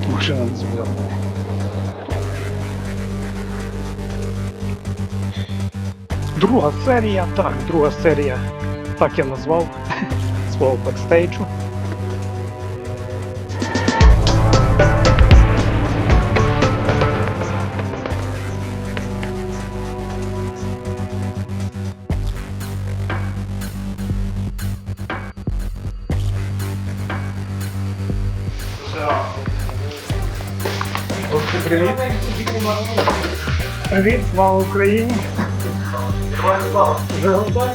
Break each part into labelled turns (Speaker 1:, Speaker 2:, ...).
Speaker 1: машина не зв'язана. Друга серія, так я назвав свого бекстейджу. Привіт! Привіт, слава Україні! Вже готові?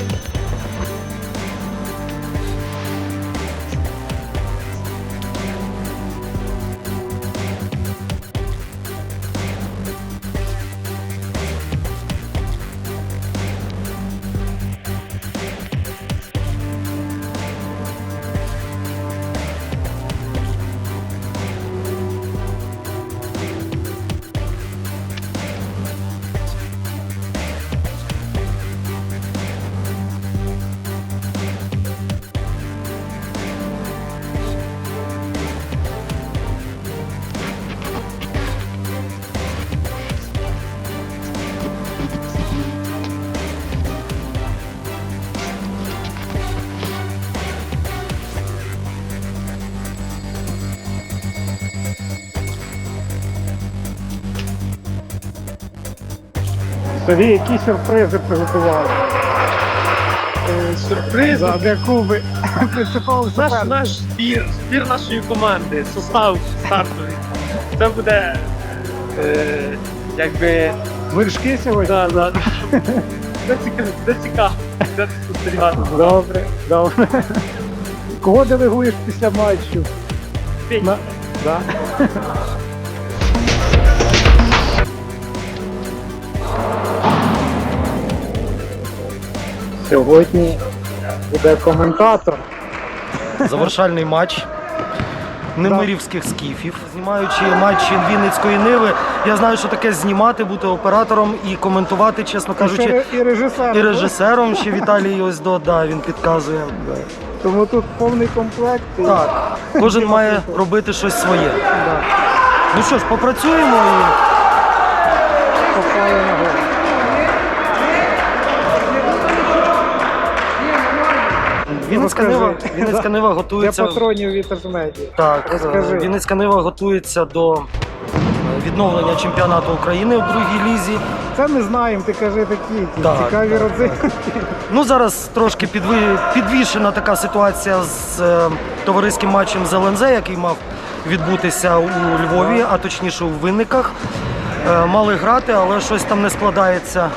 Speaker 1: Тобі які сюрпризи приготували?
Speaker 2: Сюрприз?
Speaker 1: Для Куби принциповий суперник.
Speaker 2: Наш збір нашої команди, состав стартовий. Це буде якби...
Speaker 1: Вершки сьогодні?
Speaker 2: Да. Це цікаво. Це спостерігати.
Speaker 1: Добре. Кого делегуєш після матчу?
Speaker 2: Петя.
Speaker 1: Да. Сьогодні буде коментатор.
Speaker 3: Завершальний матч немирівських скіфів. Знімаючи матчі Вінницької Ниви, я знаю, що таке знімати, бути оператором і коментувати, чесно кажучи,
Speaker 1: І
Speaker 3: режисером. Ще Віталій ось він підказує.
Speaker 1: Тому тут повний комплект.
Speaker 3: Так, кожен має робити щось своє.
Speaker 1: Да.
Speaker 3: Ну що ж, попрацюємо і...
Speaker 1: Попали на голову.
Speaker 3: Вінницька Нива готується...
Speaker 1: Для патронів в інтернеті.
Speaker 3: Так,
Speaker 1: Розкажи.
Speaker 3: Вінницька Нива готується до відновлення чемпіонату України в другій лізі.
Speaker 1: Це ми знаємо, ти кажи такі
Speaker 3: Так,
Speaker 1: цікаві родзинки.
Speaker 3: Ну, зараз трошки підвішена така ситуація з товариським матчем з ЛНЗ, який мав відбутися у Львові, а точніше у Винниках. Мали грати, але щось там не складається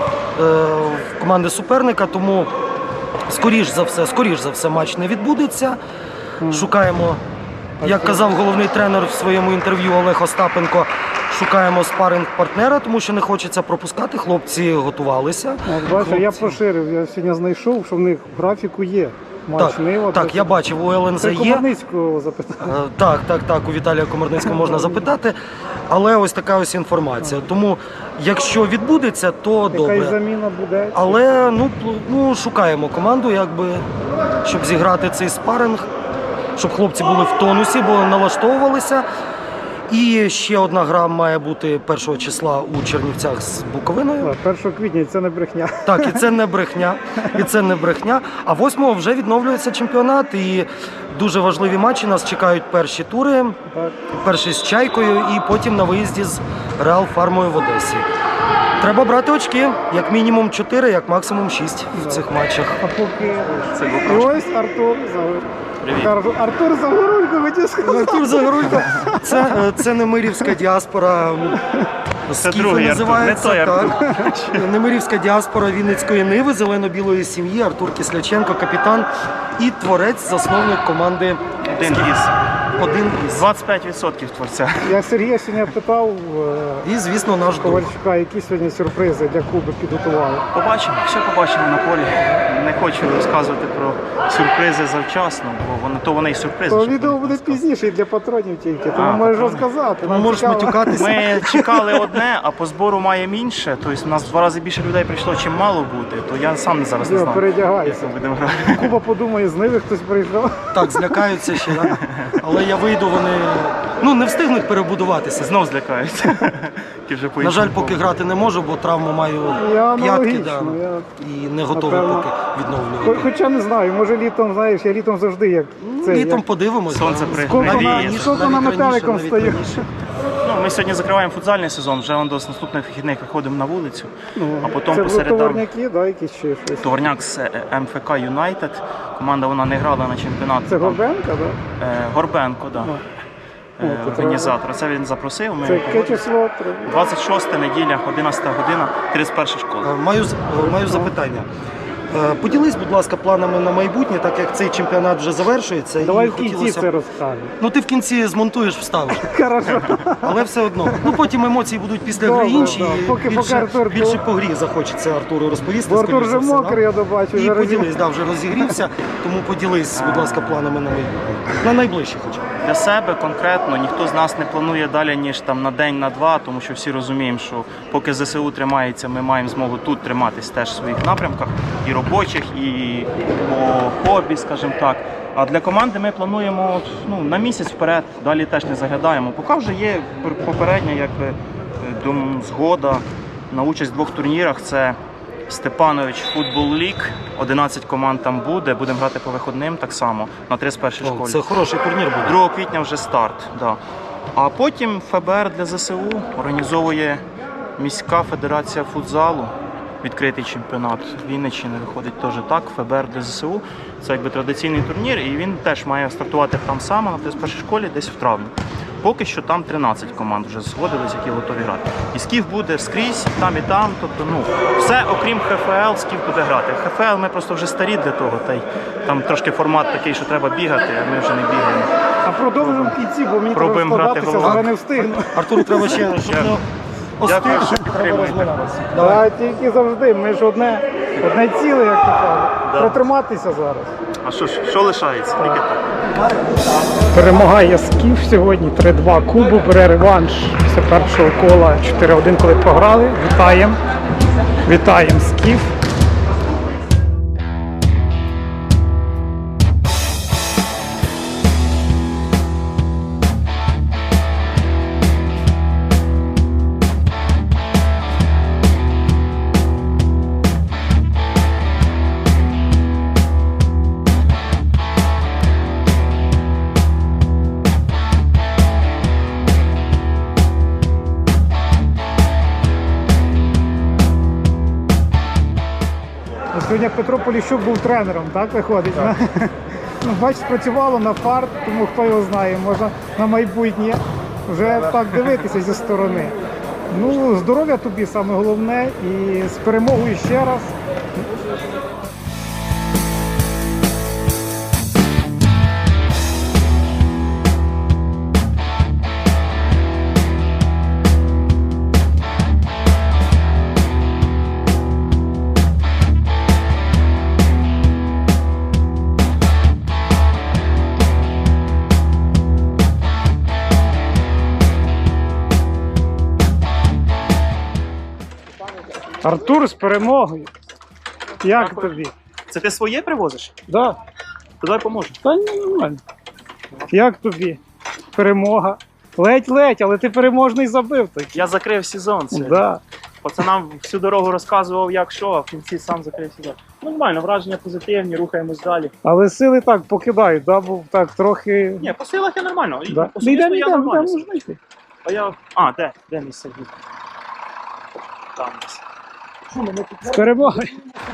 Speaker 3: в команди суперника, тому скоріш за все матч не відбудеться. Шукаємо, як казав головний тренер в своєму інтерв'ю Олег Остапенко, шукаємо спаринг-партнера, тому що не хочеться пропускати. Хлопці готувалися.
Speaker 1: Бачиш, я поширив, я сьогодні знайшов, що в них в графіку є. Матч Нива.
Speaker 3: Так, я бачив, у ЛНЗ
Speaker 1: Це
Speaker 3: є.
Speaker 1: Комарницького запитати.
Speaker 3: Так, у Віталія Комарницького можна запитати, але ось така ось інформація. Тому, якщо відбудеться, то добре.
Speaker 1: Якась заміна буде.
Speaker 3: Але шукаємо команду, щоб зіграти цей спаринг, щоб хлопці були в тонусі, бо налаштовувалися. І ще одна гра має бути 1 числа у Чернівцях з Буковиною.
Speaker 1: 1 квітня, і це не брехня.
Speaker 3: Так, і це не брехня. А 8-го вже відновлюється чемпіонат, і дуже важливі матчі. Нас чекають перші тури,
Speaker 1: Так.
Speaker 3: перший з Чайкою і потім на виїзді з Реал Фармою в Одесі. Треба брати очки, як мінімум 4, як максимум 6 в цих матчах.
Speaker 1: А поки... І ось Артур Загорулько. Артур Загорулько, хотів сказати.
Speaker 3: Артур Загорулько, це немирівська діаспора. Скіфи
Speaker 2: другий
Speaker 3: називається,
Speaker 2: Артур, не той
Speaker 3: так. Немирівська діаспора Вінницької Ниви, зелено-білої сім'ї, Артур Кисляченко, капітан і творець, засновник команди
Speaker 2: Один із 25% творця.
Speaker 1: Я Сергія сьогодні питав
Speaker 3: І, звісно, наш друг.
Speaker 1: Ковальчука, які сьогодні сюрпризи для Куби підготували.
Speaker 2: Все побачимо на полі. Не хочу розказувати про сюрпризи завчасно, бо вони і сюрпризи.
Speaker 1: То відео буде пізніше і для патронів тільки, тому можеш розказати.
Speaker 3: Тому можеш матюкатися.
Speaker 2: Ми чекали одне, а по збору маємо інше. Тобто у нас в 2 рази більше людей прийшло, чим мало бути. То я сам зараз не знаю.
Speaker 1: Передягайся.
Speaker 2: Будемо грати.
Speaker 1: Куба подумає, з Ниви хтось прийшов.
Speaker 3: Так, злякаються ще, да? Але я вийду, вони не встигнуть перебудуватися.
Speaker 2: Знов злякаються.
Speaker 3: На жаль, поки грати не можу, бо травму маю
Speaker 1: Я
Speaker 3: п'ятки,
Speaker 1: аналогічно,
Speaker 3: і не готовий
Speaker 1: напевно,
Speaker 3: поки відновлювати.
Speaker 1: Хоча не знаю, може літом, знаєш, я літом завжди як це.
Speaker 3: Літом подивимось.
Speaker 2: Сонце
Speaker 3: да.
Speaker 2: при- навіє.
Speaker 1: Скільки на метеликом
Speaker 3: навіть
Speaker 1: стою.
Speaker 3: раніше.
Speaker 2: Ну, ми сьогодні закриваємо футзальний сезон, вже до наступних вихідних виходимо на вулицю, а потім
Speaker 1: Це
Speaker 2: по
Speaker 1: були
Speaker 2: середам
Speaker 1: товарняки, да, якісь ще щось.
Speaker 2: Товарняк з МФК Юнайтед. Команда вона не грала на чемпіонат.
Speaker 1: Це
Speaker 2: там,
Speaker 1: Горбенка, так? Да?
Speaker 2: Горбенко, да.
Speaker 1: Ну, то
Speaker 2: Організатор. Це він запросив. Ми
Speaker 1: Це
Speaker 2: його
Speaker 1: яке число?
Speaker 2: 26 неділя, 11 година, 31 школа.
Speaker 3: Маю запитання. Поділись, будь ласка, планами на майбутнє, так як цей чемпіонат вже завершується.
Speaker 1: Давай
Speaker 3: і
Speaker 1: в кінці
Speaker 3: хотілося
Speaker 1: це
Speaker 3: б-
Speaker 1: розкажемо.
Speaker 3: Ну ти в кінці змонтуєш, вставиш.
Speaker 1: Хорошо.
Speaker 3: Але все одно. Ну потім емоції будуть після
Speaker 1: Добре,
Speaker 3: гри інші.
Speaker 1: да.
Speaker 3: І
Speaker 1: Поки
Speaker 3: більше,
Speaker 1: Артур,
Speaker 3: більше по грі захочеться Артуру розповісти.
Speaker 1: Бо Артур
Speaker 3: скоріш за
Speaker 1: вже
Speaker 3: все, да?
Speaker 1: мокрий, я добачу.
Speaker 3: І поділись, да, вже розігрівся. Тому поділись, будь ласка, планами на майбутнє. На найближче хоча б.
Speaker 2: Для себе конкретно ніхто з нас не планує далі, ніж там на день, на два, тому що всі розуміємо, що поки ЗСУ тримається, ми маємо змогу тут триматись теж в своїх напрямках, і робочих, і по хобі, скажімо так. А для команди ми плануємо на місяць вперед, далі теж не заглядаємо. Поки вже є попередня згода на участь в 2 турнірах. Це Степанович Футбол Ліг, 11 команд там буде, будемо грати по виходним так само на 31-й школі.
Speaker 3: Це хороший турнір буде.
Speaker 2: 2 квітня вже старт. Да. А потім ФБР для ЗСУ організовує міська федерація футзалу, відкритий чемпіонат Вінниччини виходить теж так, ФБР для ЗСУ. Це якби традиційний турнір, і він теж має стартувати там само на 31-й школі десь в травні. Поки що там 13 команд вже згодились, які готові грати. І Скіф буде скрізь, і там, тобто все окрім ХФЛ, Скіф буде грати. ХФЛ ми просто вже старі для того, та й там трошки формат такий, що треба бігати, а ми вже не бігаємо.
Speaker 1: А продовжимо в кінці, бо мені треба
Speaker 2: Пробуємо грати
Speaker 1: складатися,
Speaker 2: головою.
Speaker 1: зараз не встигну.
Speaker 3: Артуру треба ще, щоб не
Speaker 2: Дякую, що
Speaker 3: остиг, треба
Speaker 2: підтримуєте.
Speaker 3: розминатися.
Speaker 1: А тільки завжди, ми ж одне ціле, як то кажуть.
Speaker 2: Да.
Speaker 1: Протриматися зараз.
Speaker 2: А що лишається? Тільки так.
Speaker 1: Перемагає Скіф сьогодні 3-2. Кубу бере реванш після першого кола 4-1, коли програли. Вітаємо. Вітаємо Скіф. Сьогодні Петро Поліщук був тренером, так виходить? Ну, бач, спрацювало на фарт, тому хто його знає, можна на майбутнє вже так дивитися зі сторони. Ну, здоров'я тобі саме головне і з перемогою ще раз. Артур з перемогою. Як
Speaker 2: Дякую.
Speaker 1: тобі?
Speaker 2: Це ти своє привозиш?
Speaker 1: Да.
Speaker 2: То дай поможу.
Speaker 1: Та ні, нормально. Як тобі? Перемога. Ледь-ледь, але ти переможний забив. Так.
Speaker 2: Я закрив сезон сьогодні.
Speaker 1: Да.
Speaker 2: Пацанам всю дорогу розказував, як що, а в кінці сам закрив сезон. Нормально, враження позитивні, рухаємось далі.
Speaker 1: Але сили так покидають, да? Був так трохи.
Speaker 2: Ні, по силах я нормально. І
Speaker 1: Да.
Speaker 2: особисто я нормально.
Speaker 1: можна йти.
Speaker 2: А я... Де місце? Там десь.
Speaker 1: З перемогою.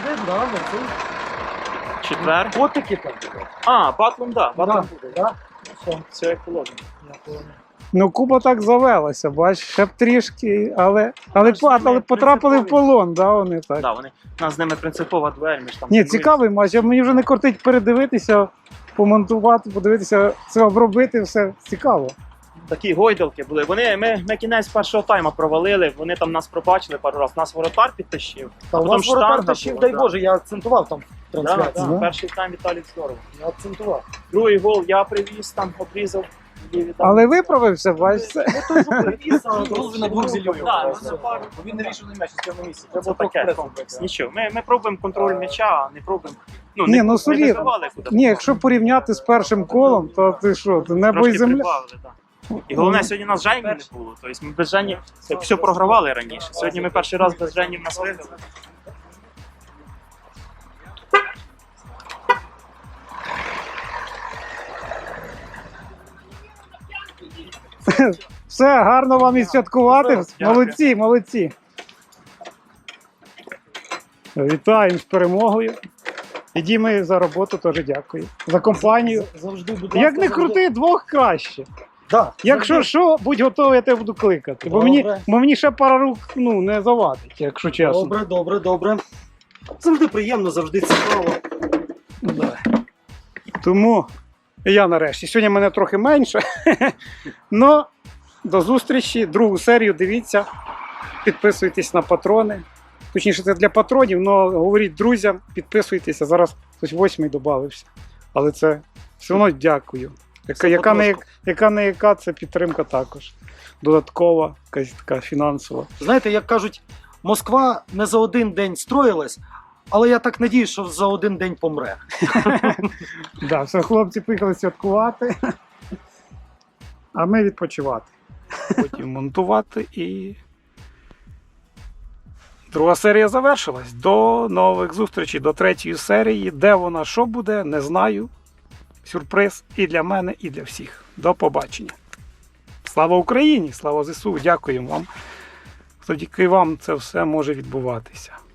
Speaker 2: Четвер.
Speaker 3: Котики там.
Speaker 2: Батлом, да. Батлом
Speaker 3: Да.
Speaker 2: буде. Да? Все як положено.
Speaker 1: Ну, Куба так завелася, бач, ще б трішки, але потрапили в полон, да, вони так.
Speaker 2: Да, вони, у нас з ними принципова дуель, ми ж там...
Speaker 1: Ні,
Speaker 2: тренуємося.
Speaker 1: цікавий матч, а мені вже не кортить передивитися, помонтувати, подивитися, це обробити, все цікаво.
Speaker 2: Такі гойдалки були. Ми кінець першого тайма провалили, вони там нас пробачили пару разів. Нас воротар підтащив.
Speaker 3: Та у
Speaker 2: потім
Speaker 3: нас воротар
Speaker 2: штанга
Speaker 3: тащив,
Speaker 2: була,
Speaker 3: дай
Speaker 2: да.
Speaker 3: Боже, я акцентував там в
Speaker 2: Да,
Speaker 3: трансляції.
Speaker 2: да.
Speaker 1: Да.
Speaker 2: Перший тайм Віталій здорово.
Speaker 3: Я акцентував.
Speaker 2: Другий гол я привіз, там обрізав. і віддав.
Speaker 1: Але виправився, бач, це.
Speaker 3: Той, що привіз, а гол на двох зільйових.
Speaker 2: Да,
Speaker 3: Він не вирішив на м'яч, з місці.
Speaker 2: Це таке комплекс. Нічого. Ми пробуємо контроль м'яча, а не пробуємо Ну,
Speaker 1: Ні, ну
Speaker 2: не
Speaker 1: солідно.
Speaker 2: виживали куди.
Speaker 1: Ні, якщо порівняти з першим колом, то ти що, ти небо і
Speaker 2: Трошки
Speaker 1: земля.
Speaker 2: прибавили, так. І головне, сьогодні у нас Жені не було. Тобто ми без Жені все програвали раніше. Сьогодні ми перший раз без Жені в нас виграли.
Speaker 1: Все, гарно вам і святкувати.
Speaker 2: Дякую.
Speaker 1: Молодці, молодці. Вітаємо з перемогою. І Дімі за роботу теж дякую. За компанію.
Speaker 3: Завжди, будь
Speaker 1: Як не крути, двох краще.
Speaker 3: Да,
Speaker 1: Якщо що, будь готовий, я тебе буду кликати. Бо
Speaker 3: Добре.
Speaker 1: мені ще пара рук не завадить, якщо чесно.
Speaker 3: Добре, добре, добре. Завжди приємно, завжди цікаво.
Speaker 1: Да. Тому я нарешті. Сьогодні мене трохи менше. Но до зустрічі. Другу серію дивіться. Підписуйтесь на патрони. Точніше, це для патронів, але говоріть друзям, підписуйтеся. Зараз хтось 8-й додався. Але це все одно дякую. Яка не яка, це підтримка також. Додаткова, якась така фінансова.
Speaker 3: Знаєте, як кажуть, Москва не за один день строїлась, але я так надію, що за один день помре.
Speaker 1: Да, все, хлопці поїхали святкувати, а ми відпочивати. Потім монтувати і друга серія завершилась. До нових зустрічей, до третьої серії. Де вона, що буде, не знаю. Сюрприз і для мене, і для всіх. До побачення. Слава Україні! Слава ЗСУ! Дякуємо вам. Завдяки вам це все може відбуватися.